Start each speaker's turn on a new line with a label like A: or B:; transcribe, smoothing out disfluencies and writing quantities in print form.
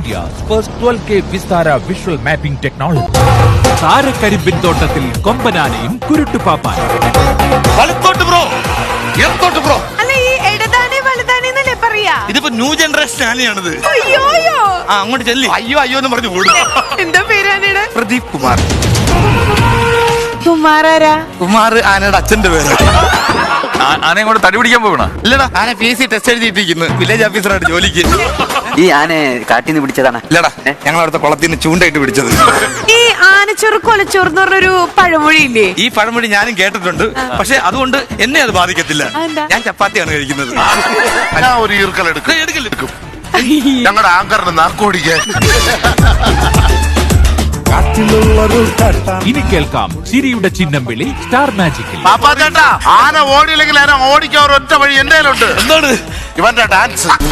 A: India's first 12K Vistara visual mapping technology. താരക്കരിമ്പിൻ തോട്ടത്തിൽ കൊമ്പനാനയും കുരുട്ടുപാപ്പാനും.
B: അല്ല ഈ ഇടതാനെ വലുതാനെ എന്നല്ലേ പറയാ?
C: ഇതിപ്പോ ന്യൂ ജനറേഷൻ ആനയാണിത്.
B: അയ്യോയോ
C: അങ്ങോട്ട് ചെല്ലി. അയ്യോ അയ്യോ എന്ന് പറഞ്ഞു ഓടും.
B: എന്താ പേരാനയുടെ?
C: പ്രദീപ് കുമാർ.
B: കുമാരാരാ?
C: കുമാർ ആനയുടെ അച്ഛന്റെ പേര്.
D: ആനയും കൂടെ തടി പിടിക്കാൻ പോകണ?
C: ഇല്ലടാ, ആന PSC ടെസ്റ്റ് എഴുതിയിട്ടിരിക്കുന്നു. വില്ലേജ് ഓഫീസറായിട്ട് ജോലിക്ക്.
E: ഈ ആനയെ കാട്ടിന്ന് പിടിച്ചതാണ്?
C: ഇല്ലടാ, ഞങ്ങൾ അവിടുത്തെ കുളത്തിന് ചൂണ്ടായിട്ട് പിടിച്ചത്.
B: ഈ ആനച്ചോറ് കൊലച്ചോറ് എന്ന് പറഞ്ഞൊരു പഴമൊഴിയില്ലേ?
C: ഈ പഴമൊഴി ഞാനും കേട്ടിട്ടുണ്ട്. പക്ഷെ അതുകൊണ്ട് എന്നെ അത് ബാധിക്കത്തില്ല. ഞാൻ ചപ്പാത്തിയാണ് കഴിക്കുന്നത്.
F: ഞാൻ ഒരു ഈർക്കലെടുക്കും. ഞങ്ങളുടെ ആങ്കറിന് നാക്കോടിക്കാൻ.
A: ഇനി കേൾക്കാം ചിരിയുടെ ചിഹ്നം വിളി സ്റ്റാർ മാജിക്കിൽ.
F: പാപ്പാ ചേട്ടാ, ആന ഓടിയില്ലെങ്കിൽ ആന ഓടിക്കാൻ ഒരൊറ്റ വഴി എന്റെ കയ്യിലുണ്ട്.
C: എന്താണ്?
F: ഇവന്റെ ഡാൻസ്.